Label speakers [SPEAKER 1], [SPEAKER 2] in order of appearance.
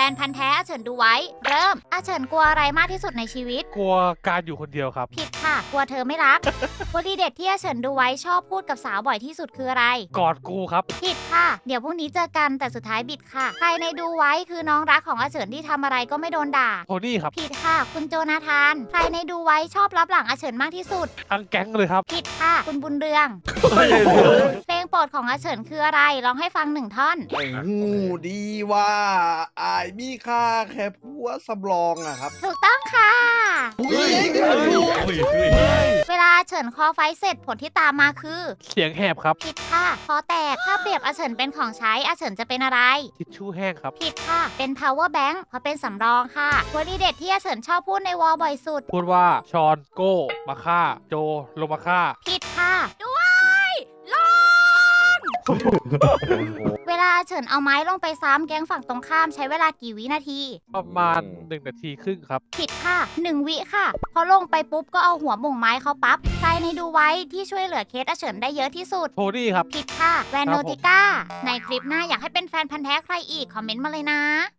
[SPEAKER 1] นพันธุ์แท้อาเฉินดูไว้เริ่มอาเฉินกลัวอะไรมากที่สุดในชีวิต
[SPEAKER 2] กลัวการอยู่คนเดียวครับ
[SPEAKER 1] ผิดค่ะกลัวเธอไม่รัก วลีเด็ดที่อาเฉินดูไว้ชอบพูดกับสาวบ่อยที่สุดคืออะไร
[SPEAKER 2] กอดกูครับ
[SPEAKER 1] ผิดค่ะเดี๋ยวพรุ่งนี้เจอกันแต่สุดท้ายบิดค่ะใครในดูไว้คือน้องรักของอาเฉินที่ทำอะไรก็ไม่โดนด่า
[SPEAKER 2] โทนี่ครับ
[SPEAKER 1] ผิดค่ะคุณโจนาธานใครในดูไว้ชอบรับหลังอาเฉินมากที่สุด
[SPEAKER 2] ทั้งแก๊งเลยครับ
[SPEAKER 1] ผิดค่ะคุณบุญเรืองเพลงโปรดของอาเฉินคืออะไรร้องให้ฟัง1 ท่อน
[SPEAKER 3] หูดีว่าอายมีค่าแค่ผัวสำรองอะครับ
[SPEAKER 1] ถูกต้องค่ะ
[SPEAKER 3] เฮ้ย
[SPEAKER 1] เวลาอาเฉินคอไฟเสร็จผลที่ตามมาคือ
[SPEAKER 2] เสียงแหบครับ
[SPEAKER 1] ผิดค่ะคอแตกถ้าเปรียบอาเฉินเป็นของใช้อาเฉินจะเป็นอะไร
[SPEAKER 2] ทิชชู่แห้งครับ
[SPEAKER 1] ผิดค่ะเป็น power bank เพราะเป็นสำรองค่ะวลีเด็ดที่อาเฉินชอบพูดในวอลบ่อยสุด
[SPEAKER 2] พูดว่าชอนโก้มาฆ่าโจลงมาฆ่า
[SPEAKER 1] ผิดค่ะด้วยลง เวลาอาเฉินเอาไม้ลงไปซ้ำแก๊งฝั่งตรงข้ามใช้เวลากี่วินาที
[SPEAKER 2] ประมาณ1 นาทีครึ่งครับ
[SPEAKER 1] ผิดค่ะ1 วิค่ะพอลงไปปุ๊บก็เอาหัวหม่งไม้เขาปั๊บใครในดูไว้ที่ช่วยเหลือเคสอาเฉินได้เยอะที่สุด
[SPEAKER 2] โทนี่ครับ
[SPEAKER 1] ผิดค่ะแวนโนติก้าในคลิปหน้าอยากให้เป็นแฟนพันธ์แท้ใครอีกคอมเมนต์มาเลยนะ